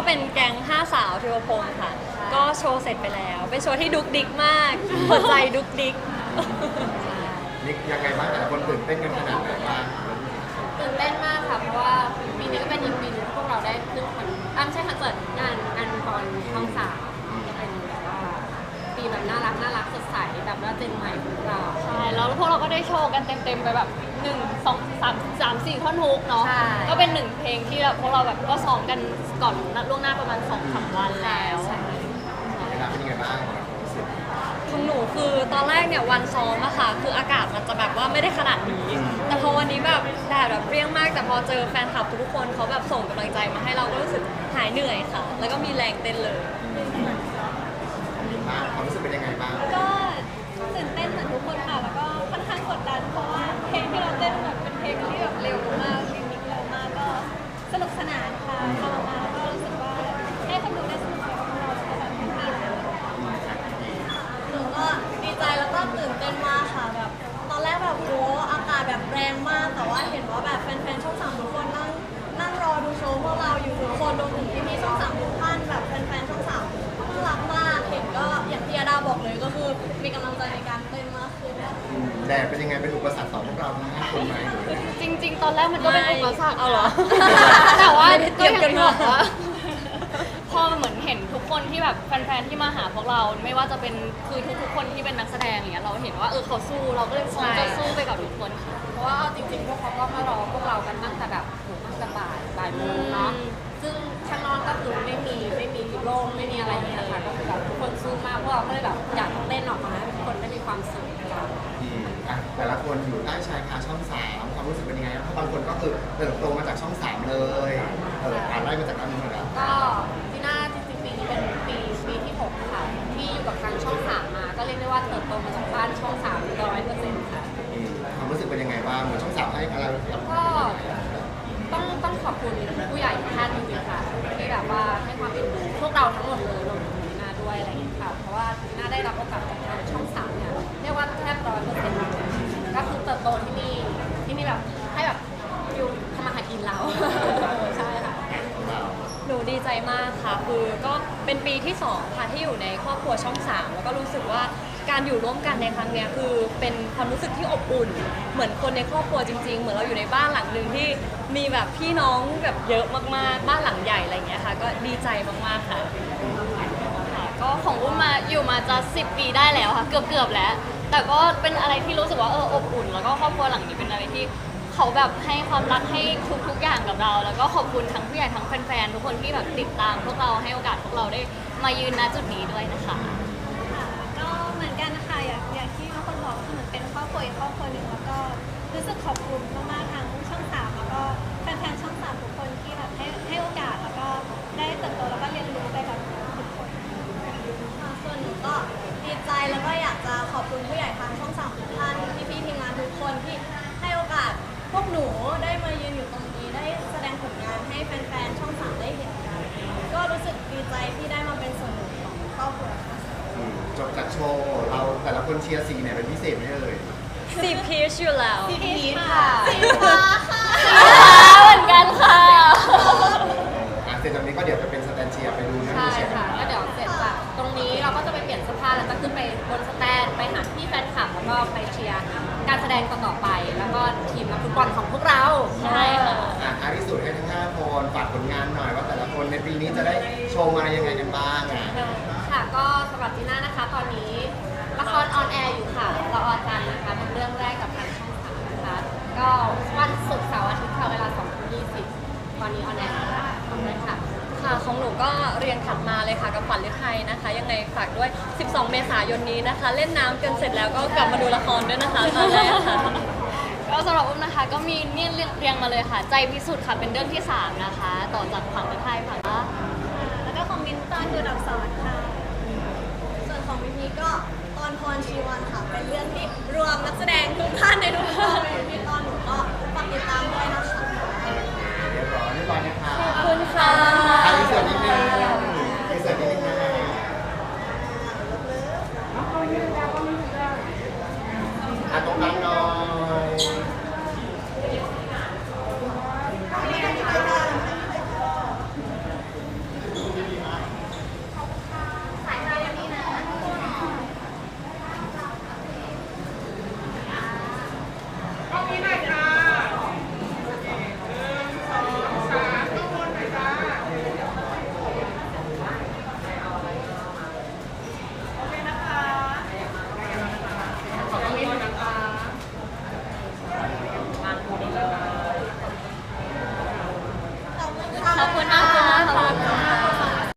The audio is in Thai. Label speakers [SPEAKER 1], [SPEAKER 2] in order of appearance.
[SPEAKER 1] เป็นแก๊ง5 สาวเทวพงศ์ค่ะก็โชว์เสร็จไปแล้วเป็นโชว์ที่ดุกดิกมากหัวใจดุกดิก
[SPEAKER 2] นี่ยังไงบ้างแต่ละคนตื่นเต้นกันขนาดไหนบ้าง
[SPEAKER 3] ตื่นเต้นมากค่ะเพราะว่าปีนี้ก็เป็นอีกปีนึงที่พวกเราได้ขึ้นไม่ใช่คอนเสิร์ตงานบอลช่อง 3ก็เป็นแบบว่าปีแบบน่ารักสดใสแบบว่าเจนใหม่ของเรา
[SPEAKER 4] ใช่แล้วพวกเราก็ได้โชว์กันเต็มๆไปแบบ1 2 3 4ท่อนฮุกเนาะก็เป็น1เพลงที่แบบพวกเราแบบก็ซ้อมกันก่อนล่วงหน้าประมาณ 2-3 วันแล้ว
[SPEAKER 2] เวลาเป็นยังไงบ้าง
[SPEAKER 1] ของหนูคือตอนแรกเนี่ยวันซ้อมอะค่ะคืออากาศมันจะแบบว่าไม่ได้ขนาดนี้แต่พอวันนี้แบบแดดแบบเปรี้ยงมากแต่พอเจอแฟนคลับทุกคนเขาแบบส่งกำลังใจมาให้เราก็รู้สึกหายเหนื่อยค่ะแล้วก็มีแรงเต้นเลย
[SPEAKER 2] ความรู้สึกเป็นยังไงบ้าง
[SPEAKER 4] ก็ตื่นเต้นเหมือนทุกคนค่ะแล้วก็ค่อนข้างกดดันเพราะว่าเพลงที่เราเต้นแบบเป็นเพลงที่แบบเร็วมากเพลงมิกเร็วมากก็สนุกสนานค่ะทำออกมาแล้วก็รู้สึกว่าให้คนดูได้สนุกไปกับเราแล้วก็แบบแฮปปี้
[SPEAKER 5] หนูก็ดีใจแล้วก็ตื่นเต้นมากค่ะแบบตอนแรกแบบโหอากาศแบบแรงมากแต่ว่าเห็นว่าแบบแฟนๆช่อง 3ทุกคนนั่งรอดูโชว์พวกเราอยู่ทุกคนรวมถึงพี่ๆช่อง 3ทุกท่านแบบแฟนๆช่อง 3น่ารักมากเห็นก็อย่างที่อาดาบอกเลยก็คือมีกำลังใจในการเต้นมากขึ้น
[SPEAKER 2] แดดเป็นยังไงเป็นอุปสรรคต่อพวกเราทั้ง5 คนไหม
[SPEAKER 4] จริงๆตอนแรกมันก็เป็นอุปสรรค
[SPEAKER 1] เอาเหรอ
[SPEAKER 4] แต่ว่า
[SPEAKER 1] ก็อย่างที่บอกว่า
[SPEAKER 4] พอเหมือนเห็นทุกคนที่แบบแฟนๆที่มาหาพวกเราไม่ว่าจะเป็นคือทุกๆคนที่เป็นนักแสดงอย่างเงี้ยเราเห็นว่าเขาสู้เราก็เลยพร้อมจะสู้ไปกับทุกคนค่ะ
[SPEAKER 3] เพราะว่าจริงๆพวกเขาก็มารอพวกเรากันตั้งแต่แบบตั้งแต่บ่ายโมงเนาะซึ่งข้างนอกก็คือไม่มีโล่งไม่มีอะไรเนี่ยค่ะก็คือแบบทุกคนสู้มากพวกเราก็เลยแบบอยากเต้นออกมาให้ทุกคนได้มีความสุขกัน
[SPEAKER 2] แต่ละคนอยู่ใต้ชายคาช่อง 3ความรู้สึกเป็นยังไงเพราะบางคนก็คือเติบโตมาจากช่อง 3เลยไล่มาจากนั้นเลยนะ
[SPEAKER 3] ก็จีน่าจริงๆปีนี้เป็นปีที่6ค่ะที่อยู่กับทางช่อง 3มาก็เรียกได้ว่าเติบโตมาจากบ้านช่อง 300%ค่ะ
[SPEAKER 2] ความรู้สึกเป็นยังไงบ้างเหมือนช่อง 3ให้อะไร
[SPEAKER 3] ก็ต้องขอบคุณผู้ใหญ่ท่านจริงๆค่ะที่แบบว่าให้ความเป็นพวกเราทั้งหมดเลยรวมถึงจีน่าด้วยอะไรอย่างเงี้ยค่ะเพราะว่าจีน่าได้รับโอกาสจากทางช่อง 3เนี่ยเรียกว่าแทบ100%ก็คือเติบโตที่นี่แบบให้แบบอยู่ทำมาหากินเราใช่ค่ะ
[SPEAKER 1] หนูดีใจมากค่ะคือก็เป็นปีที่2ค่ะที่อยู่ในครอบครัวช่อง 3แล้วก็รู้สึกว่าการอยู่ร่วมกันในครั้งนี้คือเป็นความรู้สึกที่อบอุ่นเหมือนคนในครอบครัวจริงๆเหมือนเราอยู่ในบ้านหลังหนึ่งที่มีแบบพี่น้องแบบเยอะมากๆบ้านหลังใหญ่อะไรอย่างเงี้ยค่ะก็ดีใจมากๆค่ะ
[SPEAKER 4] ก็ของอุ้มมาอยู่มาจะ10 ปีได้แล้วค่ะเกือบแล้วแต่ก็เป็นอะไรที่รู้สึกว่าอบอุ่นแล้วก็ครอบครัวหลังนี้เป็นอะไรที่เขาแบบให้ความรักให้ทุกอย่างกับเราแล้วก็ขอบคุณทั้งผู้ใหญ่ทั้งแฟนๆทุกคนที่แบบติดตามพวกเราให้โอกาสพวกเราได้มายืนณจุดนี้ด้วยนะคะก็เหมือนกันนะคะอย่างที่ทุกคนบอกคือเหมือนเป็นครอบครัวอีกครอบครัวหนึ่งแล้วก็รู้สึกขอบคุณมากๆทางช่อง 3แล้วก็แฟนๆช่อง 3ทุกคนที่แบบให้โอกาสแล้วก็ได้เติบโตแล้วก็เรียนรู้ไปกับทุกคน
[SPEAKER 5] ส่วนหนูก็ดีใจแล้วก็อยากจะขอบคุณผู้ใหญ่ทางช่อง 3ทุกท่านพี่ๆทีมงานทุกคนที่ให้โอกาสพวกหนูได้มายืนอยู่ตรงนี้ได้แสดงผลงานให้แฟนๆช่อง 3ได้เห็นกันก็รู้สึกดีใจที่ได้มาเป็นส่วนหนึ่งของครอบครัว
[SPEAKER 2] จบจากโชว์เราแต่ละคนเชียร์สีไหนเป็นพิเศษไหมเอ่ย
[SPEAKER 1] สีพีชอยู่แล้ว
[SPEAKER 3] สีพีชค่ะ
[SPEAKER 5] สีฟ้าค่ะ
[SPEAKER 4] เหมือนกันค่ะ
[SPEAKER 2] เสร็จจากนี้ก็เดี๋ยวจะเป็นสแตนเชียร์ไปดูนะ
[SPEAKER 3] ใช่ค่ะก็เดี๋ยวเสร็จจากตรงนี้เราก็จะไปเปลี่ยนเสื้อผ้าแล้วก็ขึ้นไปบนสแตนไปหาพี่แฟนคลับแล้วก็ไปเชียร์การแสดงต่อไปแล้วก็ทีมนักฟุตบอลของพวกเรา
[SPEAKER 4] ใช่ค่ะ
[SPEAKER 2] ท้ายที่สุดให้ทั้ง5 คนฝากผลงานหน่อยว่าแต่ละคนในปีนี้จะได้โชว์มายังไงกันบ้าง
[SPEAKER 3] ค่ะก็สำหรับจีน่านะคะตอนนี้ละครออนแอร์อยู่ค่ะเราออนจันทร์นะคะเป็นเรื่องแรกกับทางช่อง 3นะคะก็วันศุกร์เสาร์อาทิตย์ค่ะเวลา 20:20 ตอนนี้ออนแอร์ทำได้ค่ะ
[SPEAKER 1] ค่ะของหนูก็เรียงถัดมาเลยค่ะกับขวัญฤทัยนะคะยังไงฝากด้วย12 เมษายนนี้นะคะเล่นน้ำกันเสร็จแล้วก็กลับมาดูละครด้วยนะคะตอนแรกค่ะ
[SPEAKER 4] ก็สำหรับอุ้มนะคะก็มีนี่เรียงมาเลยค่ะใจพิสุทธิ์ค่ะเป็นเรื่องที่3นะคะต่อจากขวัญฤทัยค่ะ
[SPEAKER 5] แล้วก็ของมิ้นตอนดูดับสอนค่ะส่วนของมินนี่ก็ตอนพรชีวันค่ะเป็นเรื่องที่รวมนักแสดงทุกท่านในทุกคนอยู่ที่